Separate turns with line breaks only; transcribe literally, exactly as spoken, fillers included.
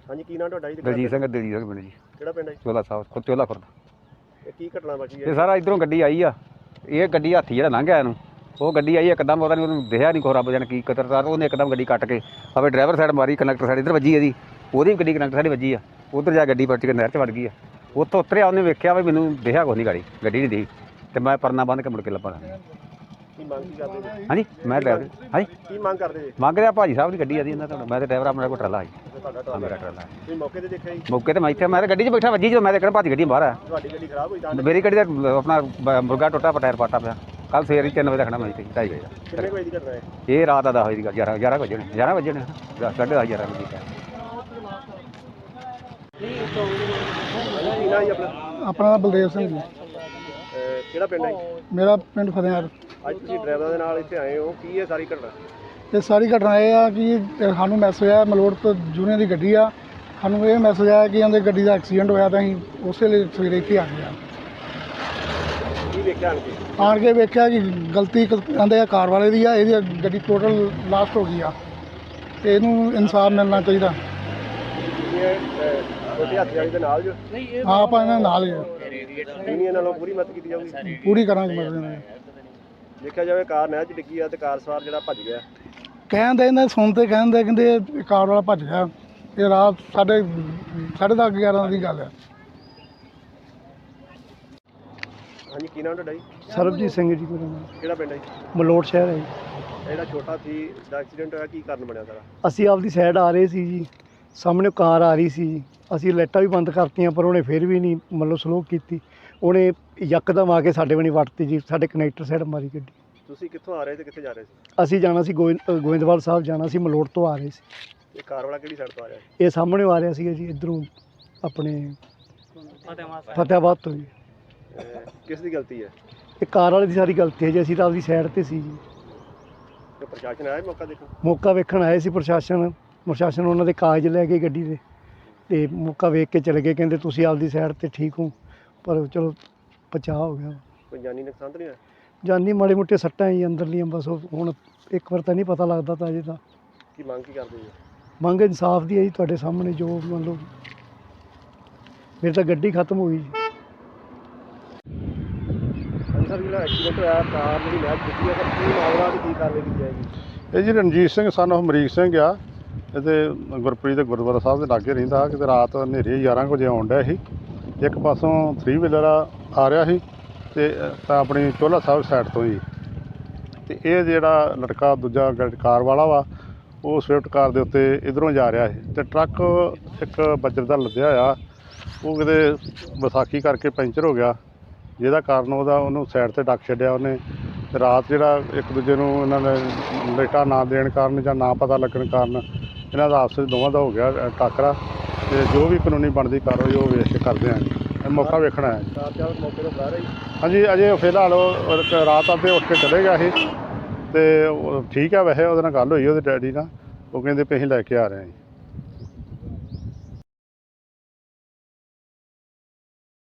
ਹਾਂਜੀ ਕੀ ਨਾਮ ਤੁਹਾਡਾ ਜੀ?
ਦਲਜੀਤ ਸਿੰਘ ਦਲਜੀਤ ਸਿੰਘ ਪਿੰਡ ਜੀ।
ਕਿਹੜਾ ਪਿੰਡ ਹੈ?
ਚੋਲਾ ਸਾਹਿਬ ਚੋਲਾ ਖੁਰਦ।
ਇਹ ਕੀ ਘਟਨਾ ਵਾਪਰੀ ਹੈ?
ਇਹ ਸਾਰਾ ਇੱਧਰੋਂ ਗੱਡੀ ਆਈ ਆ, ਇਹ ਗੱਡੀ ਹਾਥੀ ਜਿਹੜਾ ਲੰਘ ਗਿਆ ਇਹਨੂੰ, ਉਹ ਗੱਡੀ ਆਈ ਇੱਕਦਮ, ਪਤਾ ਨਹੀਂ ਉਹਨੂੰ ਦਿਖਿਆ ਨਹੀਂ, ਕੋਈ ਰੱਬ ਜਾਣੇ ਕੀ ਕਤਰਦਾਰ, ਉਹਨੇ ਇੱਕਦਮ ਗੱਡੀ ਕੱਟ ਕੇ ਆਪਣੇ ਡਰਾਈਵਰ ਸਾਈਡ ਮਾਰੀ, ਕੰਡਕਟਰ ਸਾਈਡ ਇੱਧਰ ਵੱਜੀ ਇਹਦੀ, ਉਹਦੀ ਵੀ ਗੱਡੀ ਕੰਡਕਟਰ ਸਾਈਡ ਵੱਜੀ ਆ, ਉੱਧਰ ਜਾ ਗੱਡੀ ਪਲਟ ਕੇ ਨਹਿਰ 'ਚ ਵੜ ਗਈ ਆ। ਉੱਥੋਂ ਉਤਰਿਆ, ਉਹਨੇ ਵੇਖਿਆ ਵੀ ਮੈਨੂੰ ਦਿਖਿਆ ਕੁਛ ਨਹੀਂ, ਗਾੜੀ ਗੱਡੀ ਨਹੀਂ ਦਿਖੀ, ਅਤੇ ਮੈਂ ਪਰਨਾ ਬੰਨ੍ਹ ਕੇ ਮੁੜ ਕੇ ਲੱਭਾ।
ਕੀ ਮੰਗ ਕੀ ਕਰਦੇ ਜੀ?
ਹਾਂਜੀ ਮੈਂ ਡਰਾਈਵਰ ਹਾਂਜੀ
ਕੀ ਮੰਗ ਕਰਦੇ ਜੀ?
ਮੰਗ ਰਿਹਾ ਭਾਜੀ ਸਾਹਿਬ ਦੀ ਗੱਡੀ ਆਦੀ ਇਹਨਾਂ ਤੁਹਾਡਾ, ਮੈਂ ਤਾਂ ਡਰਾਈਵਰ ਆਪਣਾ ਕੋਲ ਟਰਾਲਾ ਸੀ,
ਤੁਹਾਡਾ
ਮੇਰਾ ਟਰਾਲਾ।
ਤੁਸੀਂ ਮੌਕੇ ਤੇ ਦੇਖਿਆ ਜੀ?
ਮੌਕੇ ਤੇ ਮੈਂ ਇੱਥੇ ਮੈਂ ਤਾਂ ਗੱਡੀ 'ਚ ਬੈਠਾ, ਵੱਜੀ ਜਦੋਂ ਮੈਂ ਤਾਂ ਕਿਹੜਾ ਭੱਜ ਗੱਡੀ ਬਾਹਰ ਆ।
ਤੁਹਾਡੀ ਗੱਡੀ ਖਰਾਬ ਹੋਈ ਤਾਂ?
ਮੇਰੀ ਗੱਡੀ ਦਾ ਆਪਣਾ ਬ- ਮੁਰਗਾ ਟੁੱਟਾ, ਟਾਇਰ ਪਾਟਾ ਪਿਆ। ਕੱਲ ਸਵੇਰੇ ਤਿੰਨ ਵਜੇ ਰੱਖਣਾ ਮੈਂ ਇੱਥੇ ਢਾਈ ਵਜੇ ਦਾ।
ਕਿੰਨੇ ਕੁ ਵਜੇ ਦੀ ਘਟਨਾ ਹੈ?
ਇਹ ਰਾਤ ਦਾ ਦਸ ਵਜੇ ਦੀ ਗੱਲ, ਗਿਆਰਾਂ ਗਿਆਰਾਂ ਵਜੇ ਨੇ ਗਿਆਰਾਂ ਵਜੇ ਨੇ ਸਾਢੇ ਦਸ ਗਿਆਰਾਂ ਵਜੇ ਦੀ।
ਹਾਂਜੀ ਕੀ ਨਾਮ ਜੀ ਆਪਣਾ?
ਆਪਣਾ ਨਾਮ ਬਲਦੇਵ ਸਿੰਘ ਜੀ।
ਅਹ ਕਿਹੜਾ ਪਿੰਡ ਹੈ ਜੀ?
ਮੇਰਾ ਪਿੰਡ ਫਤਿਹਗੜ੍ਹ।
ਅੱਜ ਤੁਸੀਂ ਡਰਾਈਵਰ ਦੇ ਨਾਲ ਇੱਥੇ ਆਏ ਹੋ, ਕੀ ਹੈ ਸਾਰੀ ਘਟਨਾ?
ਇਹ ਸਾਰੀ ਘਟਨਾ ਇਹ ਆ ਕਿ ਸਾਨੂੰ ਮੈਸੇਜ ਆਇਆ, ਮਲੋਟ ਤੋਂ ਜੂਨੀਅਰ ਦੀ ਗੱਡੀ ਆ, ਸਾਨੂੰ ਇਹ ਮੈਸੇਜ ਆਇਆ ਕਿ ਉਹਦੇ ਗੱਡੀ ਦਾ ਐਕਸੀਡੈਂਟ ਹੋਇਆ, ਤਾਂ ਅਸੀਂ ਉਸੇ ਲਈ ਸਵੇਰੇ ਇੱਥੇ ਆ ਗਏ ਆ।
ਕੀ ਵੇਖਿਆ ਆਣ ਕੇ?
ਆਣ ਕੇ ਵੇਖਿਆ ਕਿ ਗਲਤੀ ਕਹਿੰਦੇ ਆ ਕਾਰ ਵਾਲੇ ਦੀ ਆ, ਇਹਦੀ ਗੱਡੀ ਟੋਟਲ ਲਾਸਟ ਹੋ ਗਈ ਆ, ਤੇ ਇਹਨੂੰ ਇਨਸਾਫ ਮਿਲਣਾ ਚਾਹੀਦਾ।
ਇਹ ਛੋਟੇ ਹੱਥ ਵਾਲੀ ਦੇ ਨਾਲ ਜੋ
ਹਾਂ ਆਪਾਂ ਇਹਨਾਂ ਨਾਲ ਹੀ ਆ,
ਯੂਨੀਅਨ ਨਾਲੋਂ ਪੂਰੀ ਮਦਦ ਕੀਤੀ ਜਾਊਗੀ?
ਪੂਰੀ ਕਰਾਂਗੇ ਮਦਦ ਨਾਲ।
ਦੇਖਿਆ ਜਾਵੇ ਕਾਰ ਨਹਿਰ 'ਚ ਡਿੱਗੀ ਆ ਤੇ ਕਾਰ ਸਵਾਰ ਜਿਹੜਾ ਭੱਜ ਗਿਆ।
ਕਹਿੰਦੇ ਇਹਨਾਂ ਸੁਣਦੇ ਕਹਿੰਦੇ ਕਹਿੰਦੇ ਇਹ ਕਾਰ ਵਾਲਾ ਭੱਜ ਗਿਆ। ਇਹ ਰਾਤ ਸਾਢੇ ਸਾਢੇ ਦਸ ਗਿਆਰਾਂ ਦੀ ਗੱਲ ਹੈ।
ਹਾਂਜੀ ਕੀ ਨਾਮ ਤੁਹਾਡਾ ਜੀ?
ਸਰਬਜੀਤ ਸਿੰਘ ਜੀ ਮੇਰਾ ਨਾਮ।
ਕਿਹੜਾ ਪਿੰਡ ਹੈ ਜੀ?
ਮਲੋਟ ਸ਼ਹਿਰ ਹੈ ਜੀ।
ਇਹ ਜਿਹੜਾ ਛੋਟਾ ਸੀ ਦਾ ਐਕਸੀਡੈਂਟ ਹੋਇਆ, ਕੀ ਕਾਰਨ ਬਣਿਆ ਸਾਰਾ?
ਅਸੀਂ ਆਪਦੀ ਸਾਈਡ ਆ ਰਹੇ ਸੀ ਜੀ, ਸਾਹਮਣੇ ਕਾਰ ਆ ਰਹੀ ਸੀ ਜੀ, ਅਸੀਂ ਲਾਈਟਾਂ ਵੀ ਬੰਦ ਕਰਤੀਆਂ, ਪਰ ਉਹਨੇ ਫਿਰ ਵੀ ਨਹੀਂ ਮਤਲਬ ਸਲੋ ਕੀਤੀ, ਉਹਨੇ ਯਕਦਮ ਆ ਕੇ ਸਾਡੇ ਬਣੀ ਵੱਟਤੀ ਜੀ, ਸਾਡੇ ਕਨੈਕਟਰ ਸਾਈਡ ਮਾਰੀ ਗੱਡੀ।
ਤੁਸੀਂ ਕਿੱਥੋਂ ਆ ਰਹੇ ਤੇ ਕਿੱਥੇ ਜਾ ਰਹੇ ਸੀ?
ਅਸੀਂ ਜਾਣਾ ਸੀ ਗੋਇੰ ਗੋਇੰਦਵਾਲ ਸਾਹਿਬ ਜਾਣਾ ਸੀ, ਮਲੋਟ ਤੋਂ ਆ ਰਹੇ ਸੀ।
ਇਹ ਕਾਰ ਵਾਲਾ ਕਿਹੜੀ ਸਾਈਡ ਤੋਂ ਆ ਰਿਹਾ?
ਇਹ ਸਾਹਮਣੇ ਆ ਰਿਹਾ ਸੀਗਾ ਜੀ, ਇੱਧਰੋਂ ਆਪਣੇ ਫਤਿਆਬਾਦ ਤੋਂ ਜੀ।
ਅਹ ਕਿਸ ਦੀ ਗਲਤੀ ਹੈ?
ਇਹ ਕਾਰ ਵਾਲੇ ਦੀ ਸਾਰੀ ਗਲਤੀ ਹੈ ਜੀ, ਅਸੀਂ ਤਾਂ ਆਪਦੀ ਸਾਈਡ 'ਤੇ ਸੀ ਜੀ।
ਤੇ ਪ੍ਰਸ਼ਾਸਨ ਆਇਆ ਮੌਕਾ ਦੇਖੋ?
ਮੌਕਾ ਵੇਖਣ ਆਏ ਸੀ ਪ੍ਰਸ਼ਾਸਨ, ਪ੍ਰਸ਼ਾਸਨ ਉਹਨਾਂ ਦੇ ਕਾਗਜ਼ ਲੈ ਕੇ ਗੱਡੀ ਦੇ, ਤੇ ਮੌਕਾ ਵੇਖ ਕੇ ਚਲੇ ਗਏ, ਕਹਿੰਦੇ ਤੁਸੀਂ ਆਪਦੀ ਸਾਈਡ 'ਤੇ ਠੀਕ ਹੋ, ਪਰ ਚਲੋ ਬਚਾਅ ਹੋ ਗਿਆ।
ਕੋਈ ਜਾਨੀ ਨੁਕਸਾਨ ਤਾਂ ਨਹੀਂ ਹੋਇਆ?
ਜਾਨੀ ਮਾੜੇ ਮੋਟੇ ਸੱਟਾਂ ਹੀ ਅੰਦਰਲੀਆਂ, ਬਸ ਉਹ ਹੁਣ ਇੱਕ ਵਾਰ ਤਾਂ ਨਹੀਂ ਪਤਾ ਲੱਗਦਾ, ਤਾਂ ਅਜੇ ਤਾਂ
ਕੀ ਮੰਗ ਕੀ ਕਰਦੇ ਜੀ?
ਮੰਗ ਇਨਸਾਫ ਦੀ ਹੈ ਜੀ, ਤੁਹਾਡੇ ਸਾਹਮਣੇ ਜੋ ਮੰਨ ਲਓ ਮੇਰੀ ਤਾਂ ਗੱਡੀ ਖਤਮ ਹੋ ਗਈ ਜੀ।
ਹਾਂਜੀ ਸਰ, ਜਿਹੜਾ ਐਕਸੀਡੈਂਟ ਹੋਇਆ ਕਾਰ ਜਿਹੜੀ ਨਹਿਰ 'ਚ ਡਿੱਗੀ ਹੈ, ਤਾਂ ਕੀ ਮਾਮਲਾ ਤੇ ਕੀ ਕਾਰਵਾਈ ਕੀਤੀ ਜਾਏਗੀ?
ਇਹ ਜੀ ਰਣਜੀਤ ਸਿੰਘ ਸਨ ਆਫ ਅਮਰੀਕ ਸਿੰਘ ਆ, ਇਹਦੇ ਗੁਰਪ੍ਰੀਤ ਦੇ ਗੁਰਦੁਆਰਾ ਸਾਹਿਬ ਦੇ ਲਾਗੇ ਰਹਿੰਦਾ। ਕਿਤੇ ਰਾਤ ਹਨੇਰੇ ਗਿਆਰਾਂ ਕੁ ਵਜੇ ਆਉਣ ਡਿਆ ਸੀ, ਇੱਕ ਪਾਸੋਂ ਥਰੀ ਵੀਲਰ ਆ ਰਿਹਾ ਸੀ ਤੇ ਤਾਂ ਆਪਣੀ ਚੋਲਾ ਸਾਹਿਬ ਸਾਈਡ ਤੋਂ ਹੀ, ਤੇ ਇਹ ਜਿਹੜਾ ਲੜਕਾ ਦੂਜਾ ਕਾਰ ਵਾਲਾ ਵਾ, ਉਹ ਸਵਿਫਟ ਕਾਰ ਦੇ ਉੱਤੇ ਇੱਧਰੋਂ ਜਾ ਰਿਹਾ ਸੀ, ਤੇ ਟਰੱਕ ਇੱਕ ਬੱਜਰ ਦਾ ਲੱਦਿਆ ਹੋਇਆ, ਉਹ ਕਿਤੇ ਵਿਸਾਖੀ ਕਰਕੇ ਪੈਂਚਰ ਹੋ ਗਿਆ, ਜਿਹਦਾ ਕਾਰਨ ਉਹਦਾ ਉਹਨੂੰ ਸਾਈਡ 'ਤੇ ਡੱਕ ਛੱਡਿਆ ਉਹਨੇ। ਤੇ ਰਾਤ ਜਿਹੜਾ ਇੱਕ ਦੂਜੇ ਨੂੰ ਇਹਨਾਂ ਨੇ ਲਾਈਟਾਂ ਨਾ ਦੇਣ ਕਾਰਨ ਜਾਂ ਨਾ ਪਤਾ ਲੱਗਣ ਕਾਰਨ ਇਹਨਾਂ ਦਾ ਆਪਸ ਵਿੱਚ ਦੋਵਾਂ ਦਾ ਹੋ ਗਿਆ ਟਾਕਰਾ, ਤੇ ਜੋ ਵੀ ਕਾਨੂੰਨੀ ਬਣਦੀ ਕਾਰਵਾਈ ਉਹ ਵੇਖ ਕੇ ਕਰਦੇ ਹਾਂ ਜੀ। ਮੌਕਾ ਵੇਖਣਾ ਹੈ।
ਕਾਰ ਚਾਲਕ ਮੌਕੇ ਤੋਂ ਫਰਾਰ ਹੈ ਜੀ?
ਹਾਂਜੀ ਅਜੇ ਫਿਲਹਾਲ ਉਹ ਰਾਤ ਅੱਧੇ ਉੱਠ ਕੇ ਚਲੇ ਗਿਆ ਸੀ, ਤੇ ਉਹ ਠੀਕ ਆ। ਵੈਸੇ ਉਹਦੇ ਨਾਲ ਗੱਲ ਹੋਈ ਉਹਦੇ ਡੈਡੀ ਨਾਲ, ਉਹ ਕਹਿੰਦੇ ਵੀ ਅਸੀਂ ਲੈ ਕੇ ਆ ਰਹੇ ਹਾਂ ਜੀ।